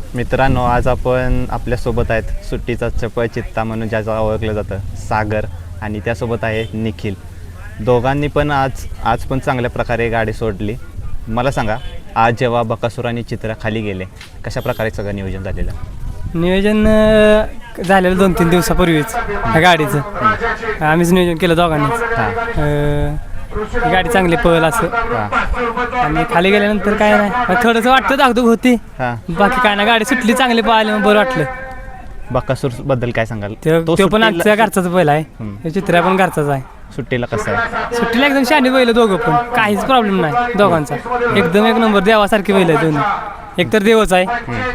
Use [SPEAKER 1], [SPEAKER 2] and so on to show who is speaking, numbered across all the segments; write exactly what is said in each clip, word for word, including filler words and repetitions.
[SPEAKER 1] मित्रांनो, आज आपण आपल्यासोबत आहेत सुट्टीचा चपळ चित्ता म्हणून ज्याचं ओळखलं जातं सागर, आणि त्यासोबत आहे निखिल. दोघांनी पण आज आज पण चांगल्या प्रकारे गाडी सोडली. मला सांगा, आज जेव्हा बकासूर आणि चित्रा खाली गेले, कशा प्रकारे सगळं नियोजन झालेलं?
[SPEAKER 2] नियोजन अ, झालेलं दोन तीन दिवसापूर्वीच ह्या गाडीचं आम्हीच नियोजन केलं दोघांनीच.
[SPEAKER 1] हां
[SPEAKER 2] अ, ही गाडी चांगली पळेल असं,
[SPEAKER 1] हां
[SPEAKER 2] आणि खाली गेल्यानंतर काय नाही, थोडंसं वाटतं धाकधूक होती,
[SPEAKER 1] हां.
[SPEAKER 2] बाकी काय ना, गाडी सुटली चांगली पळाली मग बरं वाटलं.
[SPEAKER 1] बकासूरबद्दल काय सांगाल?
[SPEAKER 2] तो तो पण
[SPEAKER 1] सुट्टीला-
[SPEAKER 2] आमच्या घरचाच बैल आहे,
[SPEAKER 1] हम्म.
[SPEAKER 2] हे चित्रा पण घरचाच आहे.
[SPEAKER 1] सुट्टीला कसं आहे?
[SPEAKER 2] सुट्टीला एकदम शहाणी बैल दोघं पण, काहीच प्रॉब्लेम नाही दोघांचा, एकदम एक नंबर देवासारखी बैल आहे दोन्ही, एकतर देवच आहे.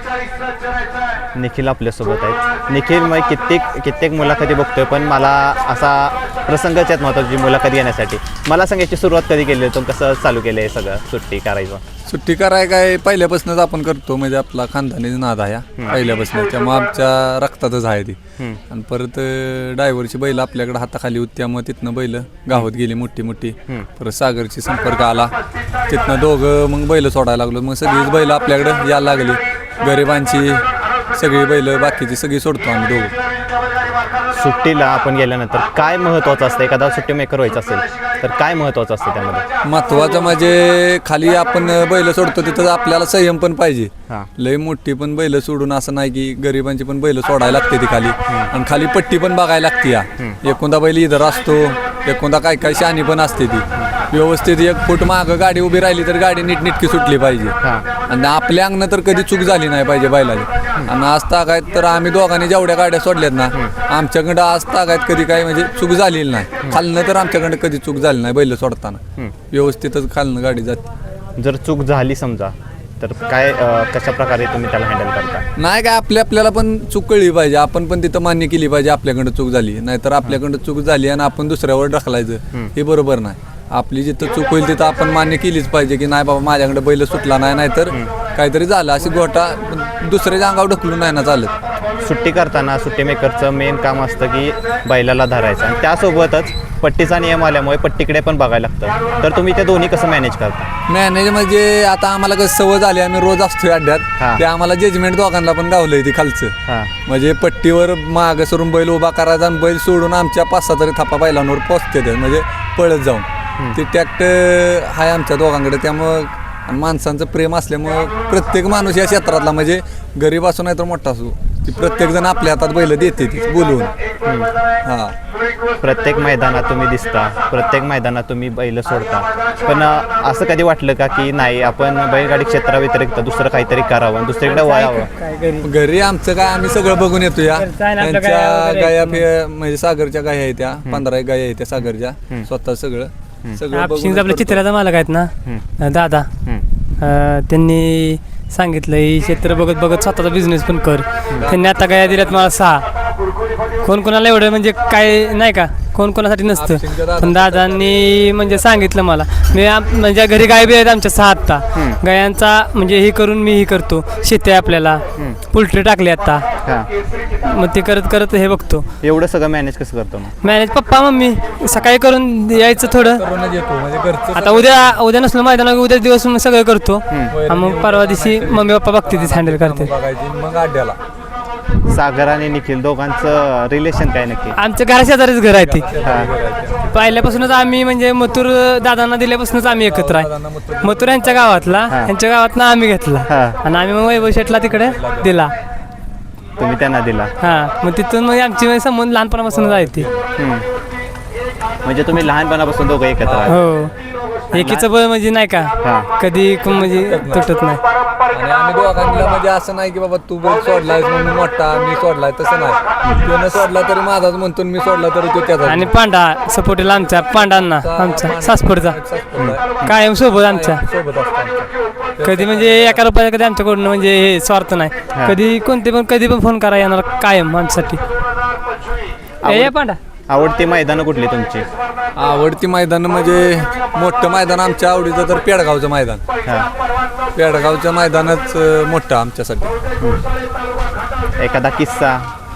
[SPEAKER 1] निखिल आपल्यासोबत आहेत. निखिल, मग कित्येक कित्येक मुलाखती बघतोय, पण मला असा प्रसंगच आहेत महत्त्वाची मुलाखत घेण्यासाठी. मला सांगायची सुरुवात कधी केली, तुम्ही कसं चालू केलं आहे सगळं सुट्टी करायचं?
[SPEAKER 3] सुट्टी कराय काय पहिल्यापासूनच आपण करतो, म्हणजे आपला खानदानी नाद आहे हा पहिल्यापासून, त्यामुळे आमच्या रक्तातच आहे ती. आणि परत ड्रायव्हरची बैल आपल्याकडे हाताखाली होती, त्यामुळे तिथनं बैल गावात गेली मोठी मोठी. परत सागरची संपर्क आला, तिथनं दोघं मग बैल सोडायला लागलो. मग सगळीच बैल आपल्याकडे यायला लागली, गरिबांची सगळी बैल, बाकीची सगळी सोडतो आम्ही दोघं.
[SPEAKER 1] सुट्टीला आपण गेल्यानंतर काय महत्त्वाचं असतं? एखादा सुट्टी मेकर व्हायचं असेल तर काय महत्त्वाचं असतं त्यामध्ये?
[SPEAKER 3] महत्वाचं म्हणजे खाली आपण बैल सोडतो तिथं आपल्याला संयम पण पाहिजे.
[SPEAKER 1] हां.
[SPEAKER 3] लय मोठी पण बैल सोडून असं नाही की गरिबांची पण बैल सोडायला लागते ती खाली, आणि खाली पट्टी पण बघायला लागते. या एकोणदा बैल इधर असतो, एकोणदा काय काय शानी पण असते ती. व्यवस्थित एक फूट मागं गाडी उभी राहिली तर गाडी नीटनीटकी सुटली पाहिजे, आणि आपल्या अंगनं तर कधी चूक झाली नाही पाहिजे बैलाची. आणि आज तागायत तर आम्ही दोघांनी जेवढ्या गाड्या सोडल्यात ना, आमच्याकडं आज तागायत कधी काही म्हणजे चूक झालेली नाही. खालनं तर आमच्याकडं कधी चूक झाली नाही बैल सोडताना, व्यवस्थितच खालनं गाडी जाते.
[SPEAKER 1] जर चूक झाली समजा, तर काय अं, कशा प्रकारे तुम्ही त्याला हँडल करता?
[SPEAKER 3] नाही काय, आपल्या आपल्याला पण चूक कळली पाहिजे, आपण पण तिथं मान्य केली पाहिजे आपल्याकडं चूक झाली. नाहीतर आपल्याकडं चूक झाली आणि आपण दुसऱ्यावर ढकलायचं, हे बरोबर नाही. आपली जिथं चूक होईल तिथं आपण मान्य केलीच पाहिजे की नाही बाबा माझ्याकडे बैल सुटला नाही, नाहीतर काहीतरी झालं अशी गोटा दुसऱ्याच्या अंगावर ढकलून नाही ना चालत.
[SPEAKER 1] सुट्टी करताना सुट्टी मेकरचं मेन काम असतं की बैलाला धरायचं, आणि त्यासोबतच पट्टीचा नियम आल्यामुळे पट्टीकडे पण बघायला लागतं. तर तुम्ही ते दोन्ही कसं मॅनेज करता?
[SPEAKER 3] मॅनेज म्हणजे आता आम्हाला कसं सवय झाली, आम्ही रोज असतोय
[SPEAKER 1] हां.
[SPEAKER 3] अड्ड्यात, ते आम्हाला जजमेंट दोघांना पण गावलंय ती खालचं.
[SPEAKER 1] हां.
[SPEAKER 3] म्हणजे पट्टीवर मागं सरून बैल उभा करायचा, आणि बैल सोडून आमच्या पाच सहा तरी थापा बैलांवर पोचते ते, म्हणजे पळत जाऊन. ते टॅक्ट आहे आमच्या दोघांकडे, त्यामुळं आणि माणसांचं प्रेम असल्यामुळं प्रत्येक माणूस या क्षेत्रातला, म्हणजे गरीब असो नाही तर मोठा असो, ती प्रत्येक जण आपल्या हातात बैल देते ती बोलवून. हां.
[SPEAKER 1] प्रत्येक मैदानात तुम्ही दिसता, प्रत्येक मैदानात तुम्ही बैल सोडता, पण अं, असं कधी वाटलं का की नाही, आपण बैलगाडी क्षेत्राव्यतिरिक्त दुसरं काहीतरी करावं, दुसरीकडे वळावं?
[SPEAKER 2] काय घरी
[SPEAKER 3] घरी आमचं काय आम्ही सगळं बघून येतो या.
[SPEAKER 2] घरचं आहे ना आपलं,
[SPEAKER 3] त्यांच्या
[SPEAKER 2] गाया वगैरे
[SPEAKER 3] गाया
[SPEAKER 2] आहेत.
[SPEAKER 3] फे- म्हणजे सागरच्या गाया आहेत त्या, पंधरा एक गाया आहेत त्या सागरच्या, स्वतः सगळं सगळं
[SPEAKER 2] आपशिंग
[SPEAKER 3] बघून
[SPEAKER 2] आपल्या चित्राचा मालक आहेत ना दादा, अ, त्यांनी सांगितलं ही क्षेत्र बघत बघत स्वतःचा बिझनेस पण कर. त्यांनी आता गाया दिल्यात मला सहा. कोण कोणाला एवढं म्हणजे काय नाही का, कोण कोणासाठी नसतं, पण दादांनी म्हणजे सांगितलं मला. मी आम- म्हणजे घरी गाय बी आहेत आमच्या सहा आत्ता, गायांचा म्हणजे हे करून मी हे करतो, शेती आहे आपल्याला, पोल्ट्री टाकली आता,
[SPEAKER 1] हां.
[SPEAKER 2] मग ते करत करत हे बघतो.
[SPEAKER 1] एवढं सगळं मॅनेज कसं करतो मग?
[SPEAKER 2] मॅनेज पप्पा मम्मी सकाळी करून यायचं थोडं.
[SPEAKER 3] करूनच येतो, म्हणजे घरचं
[SPEAKER 2] आता उद्या उद्या नसलं मैदान, उद्या दिवस मग सगळं करतो, आणि मग परवा दिवशी मम्मी पप्पा बघते तीच हँडल करते.
[SPEAKER 3] बघायची मग अड्ड्याला.
[SPEAKER 1] सागर आणि निखिल दोघांचं रिलेशन काय नक्की?
[SPEAKER 2] आमच्या घराशेजारीच घर आहे ती,
[SPEAKER 1] हां.
[SPEAKER 2] पहिल्यापासूनच आम्ही म्हणजे मथुर दादांना दिल्यापासूनच आम्ही एकत्र आहे. मथुर यांच्या गावातला, यांच्या गावातनं आम्ही घेतला,
[SPEAKER 1] हां.
[SPEAKER 2] आणि आम्ही मग वैभव शेटला तिकडे दिला.
[SPEAKER 1] तुम्ही त्यांना दिला.
[SPEAKER 2] हां, मग तिथून मग आमची संबंध लहानपणापासूनच आहे ती.
[SPEAKER 1] हम्म. म्हणजे तुम्ही लहानपणापासून दोघं एकत्र आहात.
[SPEAKER 2] हो, एकीचं बळ म्हणजे नाही का
[SPEAKER 1] हां.
[SPEAKER 2] कधी कोण म्हणजे तुटत नाही.
[SPEAKER 3] आणि आम्ही दोघांना म्हणजे असं नाही की बाबा तू बैल सोडलायस म्हणून मोठा मी सोडलाय, तसं नाही. त्यानं सोडला तरी माझाच म्हणतो, मी सोडला तरी तो त्याचा.
[SPEAKER 2] आणि पांडा सपोर्टीला आमच्या पांडांना, आमचा सासपूरचा कायम सोबत आमच्या,
[SPEAKER 3] सोबत असतो आमच्या.
[SPEAKER 2] कधी म्हणजे एका रुपया कधी आमच्याकडून म्हणजे हे स्वार्थ नाही. कधी कोणते पण कधी पण फोन करा येणार कायम आमच्यासाठी. ए, ये पांडा.
[SPEAKER 1] आवडती मैदानं कुठली तुमची?
[SPEAKER 3] आवडती मैदान म्हणजे मोठं मैदान आमच्या आवडीचं तर पेडगावचं मैदान.
[SPEAKER 1] हां.
[SPEAKER 3] पेडगावचं मैदानच अं, मोठं आमच्यासाठी.
[SPEAKER 1] एखादा किस्सा,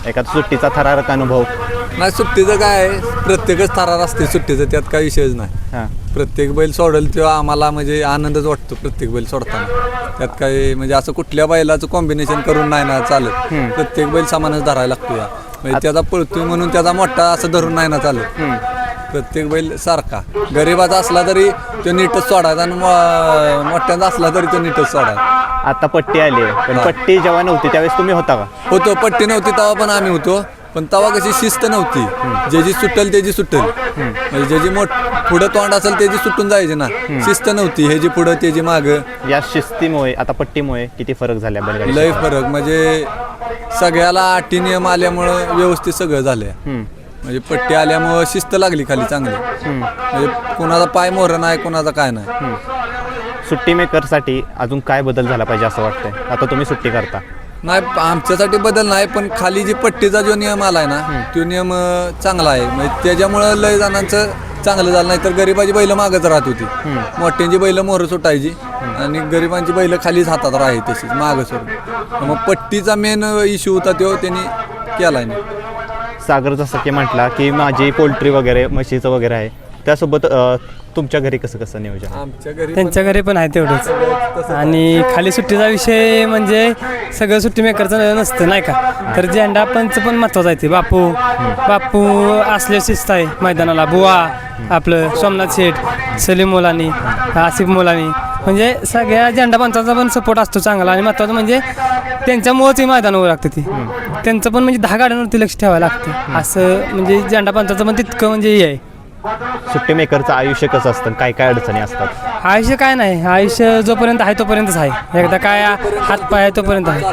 [SPEAKER 1] एखादा सुट्टीचा थरारक अनुभव.
[SPEAKER 3] नाही सुट्टीचं काय आहे, प्रत्येकच थरार असते सुट्टीचं, त्यात काही विषयच नाही.
[SPEAKER 1] हां
[SPEAKER 3] प्रत्येक बैल सोडेल तेव्हा आम्हाला म्हणजे आनंदच वाटतो प्रत्येक बैल सोडताना. त्यात काही म्हणजे असं कुठल्या बैलाचं कॉम्बिनेशन करून नाही ना चालत. प्रत्येक बैल समानच धरायला लागतो या, म्हणजे त्याचा पळतोय म्हणून त्याचा मोठा असं धरून नाही ना चालत. प्रत्येक बैल सारखा गरीबाचा असला तरी तो नीटच सोडायचा आणि मो- मोठ्यांचा असला तरी तो नीटच सोडायचा.
[SPEAKER 1] आता पट्टी आली आहे, पण
[SPEAKER 3] हां.
[SPEAKER 1] पट्टी जेव्हा नव्हती त्यावेळेस तुम्ही होता का?
[SPEAKER 3] होतो, पट्टी नव्हती तेव्हा पण आम्ही होतो, पण तेव्हा कशी शिस्त नव्हती. ज्याची सुटेल त्याची सुटेल, म्हणजे ज्याची मोठ पुढं तोंड असेल त्याची सुटून जायची ना. शिस्त नव्हती, ह्याची पुढं त्याची मागं.
[SPEAKER 1] या शिस्तीमुळे आता पट्टीमुळे किती फरक झाला बैलगाडी
[SPEAKER 3] लय फरक म्हणजे सगळ्याला अटी नियम आल्यामुळं व्यवस्थित सगळं झालं. म्हणजे पट्टी आल्यामुळं शिस्त लागली खाली चांगली. म्हणजे कोणाचा पाय मोहर नाही, कोणाचा काय नाही.
[SPEAKER 1] सुट्टी मेकरसाठी अजून काय बदल झाला पाहिजे असं वाटतंय? आता तुम्ही सुट्टी करता.
[SPEAKER 3] नाही आमच्यासाठी बदल नाही, पण खाली जी पट्टीचा जो नियम आलाय ना तो नियम अं, चांगला आहे. म्हणजे त्याच्यामुळं लय जणांचं चांगलं झालं. नाही तर गरिबाची बैल मागच राहत होती, मोठ्यांची बैल मोहर सुटायची आणि गरिबांची बैल खालीच हातात राहाय तशीच मागं सोडून. मग पट्टीचा मेन इश्यू होता तो त्यांनी केलाय नाही.
[SPEAKER 1] सागर जसं की म्हटला की माझी पोल्ट्री वगैरे म्हशीचं वगैरे आहे, त्यासोबत अ, तुमच्या घरी कसं कसं नियोजन?
[SPEAKER 3] आमच्या घरी
[SPEAKER 2] त्यांच्या घरी पण आहे तेवढंच. आणि खाली सुट्टीचा विषय म्हणजे सगळं सुट्टी मेकरचं नसतं नाही का, तर झेंडा पंच पण महत्त्वाचा आहे. ते बापू बापू असले शिस्त आहे मैदानाला. बुवा आपलं सोमनाथ शेठ, सलीम मोलानी, आसिफ मोलानी, म्हणजे सगळ्या झेंडा पंचाचा पण सपोर्ट असतो चांगला. आणि महत्त्वाचं म्हणजे त्यांच्यामुळंच हे मैदान उभं लागतं. ती त्यांचं पण म्हणजे दहा गाड्यांवरती लक्ष ठेवायला लागतं. असं म्हणजे झेंडा पंचाचं पण तितकं म्हणजे हे आहे.
[SPEAKER 1] सुट्टी मेकरचं आयुष्य कसं असतं, काय काय अडचणी असतात?
[SPEAKER 2] आयुष्य काय नाही, आयुष्य जोपर्यंत आहे तोपर्यंतच आहे. एकदा काय हात पाय आहे तोपर्यंत आहे.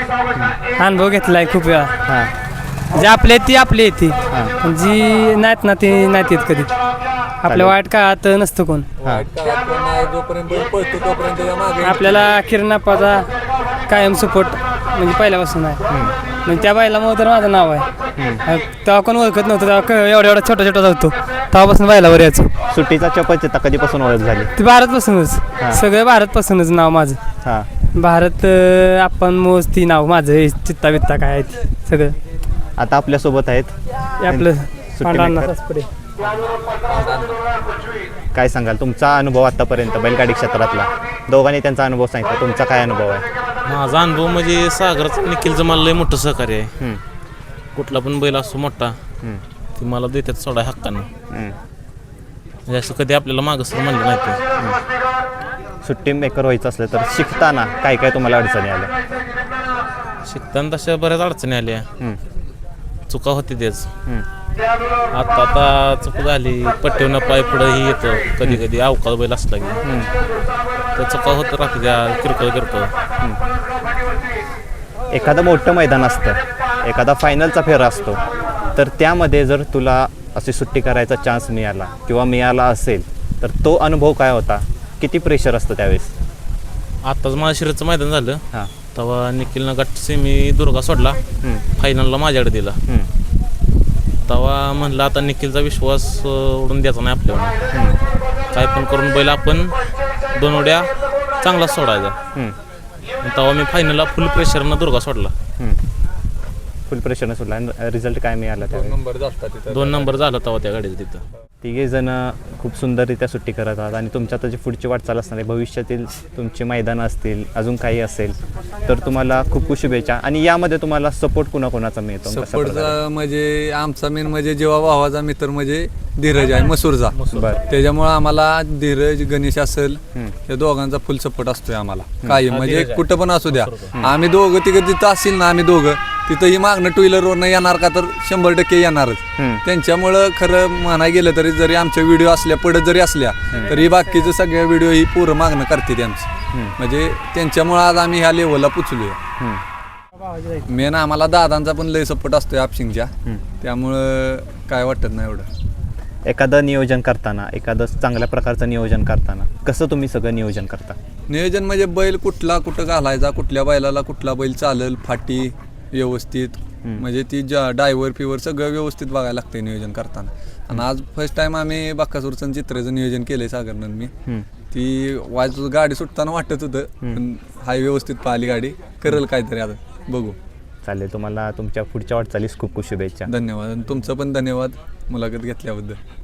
[SPEAKER 2] अनुभव घेतला आहे खूप वेळा.
[SPEAKER 1] हां
[SPEAKER 2] जे आपले ती आपली येते, जी नाहीत ना ती नाहीत येत कधी. आपल्या वाईट काळात नसतं कोण.
[SPEAKER 1] हां
[SPEAKER 3] जोपर्यंत बैल पळतो तोपर्यंत या मागे
[SPEAKER 2] आपल्याला किरणाप्पाचा कायम सपोर्ट म्हणजे पहिल्यापासून आहे. म्हणजे त्या बैलामुळे तर माझं नाव आहे. तेव्हा कोण ओळखत नव्हतं, तेव्हा क- एवढा एवढा छोटा छोटा जातो, तेव्हापासून बैलावर यायचो.
[SPEAKER 1] सुट्टीचा चपचित्ता कधीपासून ओळख झाली?
[SPEAKER 2] ते भारतपासूनच, सगळं भारतपासूनच नाव माझं.
[SPEAKER 1] हां
[SPEAKER 2] भारत अं, आपण मोज ती नाव माझं, हे चित्ता बित्ता काय आहे ते सगळं.
[SPEAKER 1] आता आपल्यासोबत आहेत
[SPEAKER 2] हे आपलं पांढरा
[SPEAKER 1] मेकर.
[SPEAKER 2] सासपडे.
[SPEAKER 1] काय सांगाल तुमचा अनुभव आतापर्यंत बैलगाडी क्षेत्रातला? दोघांनी त्यांचा अनुभव सांगितला, तुमचा काय अनुभव आहे?
[SPEAKER 4] माझा अनुभव म्हणजे सागरचं निखिलचं मला लय मोठं सहकार्य आहे.
[SPEAKER 1] हम्म,
[SPEAKER 4] कुठला पण बैल असतो मोठा
[SPEAKER 1] हम्म,
[SPEAKER 4] ते मला देतात सोडा हक्कानं.
[SPEAKER 1] हम्म.
[SPEAKER 4] म्हणजे असं कधी आपल्याला मागं सर म्हणलं नाही ते.
[SPEAKER 1] सुट्टी मेकर व्हायचं असलं तर शिकताना काय काय तुम्हाला अडचणी आल्या?
[SPEAKER 4] शिकताना तशा बऱ्याच अडचणी आल्या,
[SPEAKER 1] हम्म,
[SPEAKER 4] चुका होती तेच.
[SPEAKER 1] हम्म,
[SPEAKER 4] आता आता चूक झाली, पट्टीवनं पाय पुढं ही येतं कधी कधी अवकाळ बैल असला की
[SPEAKER 1] हम्म.
[SPEAKER 4] त्या चुका होत राहते त्या किरकोळ किरकोळ.
[SPEAKER 1] एखादं मोठं मैदान असतं, एखादा फायनलचा फेरा असतो, तर त्यामध्ये जर तुला अशी सुट्टी करायचा चान्स मिळाला किंवा मिळाला असेल तर तो अनुभव काय होता? किती प्रेशर असतं त्यावेळेस?
[SPEAKER 4] आत्ताच महाशिरचं मैदान झालं
[SPEAKER 1] हां
[SPEAKER 4] तेव्हा निखिलनं गट सेमी दुर्गा सोडला,
[SPEAKER 1] हम्म,
[SPEAKER 4] फायनलला माझ्याकडे दिला.
[SPEAKER 1] हम्म,
[SPEAKER 4] तेव्हा म्हणलं आता निखिलचा विश्वास अं, उडून द्यायचा नाही आपल्यावर.
[SPEAKER 1] हम्म,
[SPEAKER 4] काय पण करून बैल आपण दोन उड्या चांगला सोडायचा.
[SPEAKER 1] हम्म,
[SPEAKER 4] आणि तेव्हा मी फायनलला फुल प्रेशरनं दुर्गा सोडला.
[SPEAKER 1] हम्म. फुल प्रेशरनं सोडला आणि रिझल्ट काय मिळाला त्यावेळेस?
[SPEAKER 3] नंबर जास्त तिथं.
[SPEAKER 4] दोन नंबर झाला तेव्हा त्या गाडीचं तिथं.
[SPEAKER 1] तिघे जण खूप सुंदररित्या सुट्टी करत आहात आणि तुमच्या आता जी पुढची वाटचाल असणार आहे, भविष्यातील तुमची मैदानं असतील, अजून काही असेल तर तुम्हाला खूप खूप शुभेच्छा. आणि यामध्ये तुम्हाला सपोर्ट कुणाकोणाचा मिळतो? कशा प्रकारे?
[SPEAKER 3] सपोर्टचा म्हणजे आमचा मेन म्हणजे जेव्हा भावाचा मित्र म्हणजे धीरज आहे मसूरचा.
[SPEAKER 1] बरं.
[SPEAKER 3] त्याच्यामुळं आम्हाला धीरज गणेश असेल
[SPEAKER 1] हम्म.
[SPEAKER 3] या दोघांचा फुल सपोर्ट असतोय आम्हाला काही म्हणजे कुठं पण असू द्या. आम्ही दोघं तिघं तिथं असेल ना, आम्ही दोघं तिथं ही मागणं टू व्हीलरवरनं येणार का तर शंभर टक्के येणारच.
[SPEAKER 1] हम्म.
[SPEAKER 3] त्यांच्यामुळं खरं म्हणाय गेलं तरी जरी आमच्या व्हिडिओ असल्या पडत जरी असल्या तरी बाकीचं सगळ्या व्हिडिओ ही पूर्ण मागणं करते त्यांची. म्हणजे त्यांच्यामुळं आज आम्ही ह्या लेवलला पोचलोय.
[SPEAKER 1] हम्म.
[SPEAKER 3] मेन आम्हाला दादांचा पण लय सपोर्ट असतोय आपशिंगच्या, त्यामुळं काय वाटत नाही एवढं.
[SPEAKER 1] एखादं नियोजन करताना, एखादं चांगल्या प्रकारचं नियोजन करताना कसं तुम्ही सगळं नियोजन करता?
[SPEAKER 3] नियोजन म्हणजे बैल कुठला कुठं घालायचा, कुठल्या बैलाला कुठला बैल चालेल, फाटी व्यवस्थित म्हणजे ती ज्या डायव्हर फिवर सगळं व्यवस्थित बघायला लागते नियोजन करताना. आणि आज फर्स्ट टाइम आम्ही बाकासूरचं चित्राचं नियोजन केलंय सागरनं मी. ती वाज गाडी सुटताना वाटत होतं पण हाय व्यवस्थित पाहिली गाडी, करेल काहीतरी आता बघू.
[SPEAKER 1] चालेल, तुम्हाला तुमच्या पुढच्या वाटचालीस खूप खूप शुभेच्छा.
[SPEAKER 3] धन्यवाद. आणि तुमचं पण धन्यवाद मुलाखत घेतल्याबद्दल.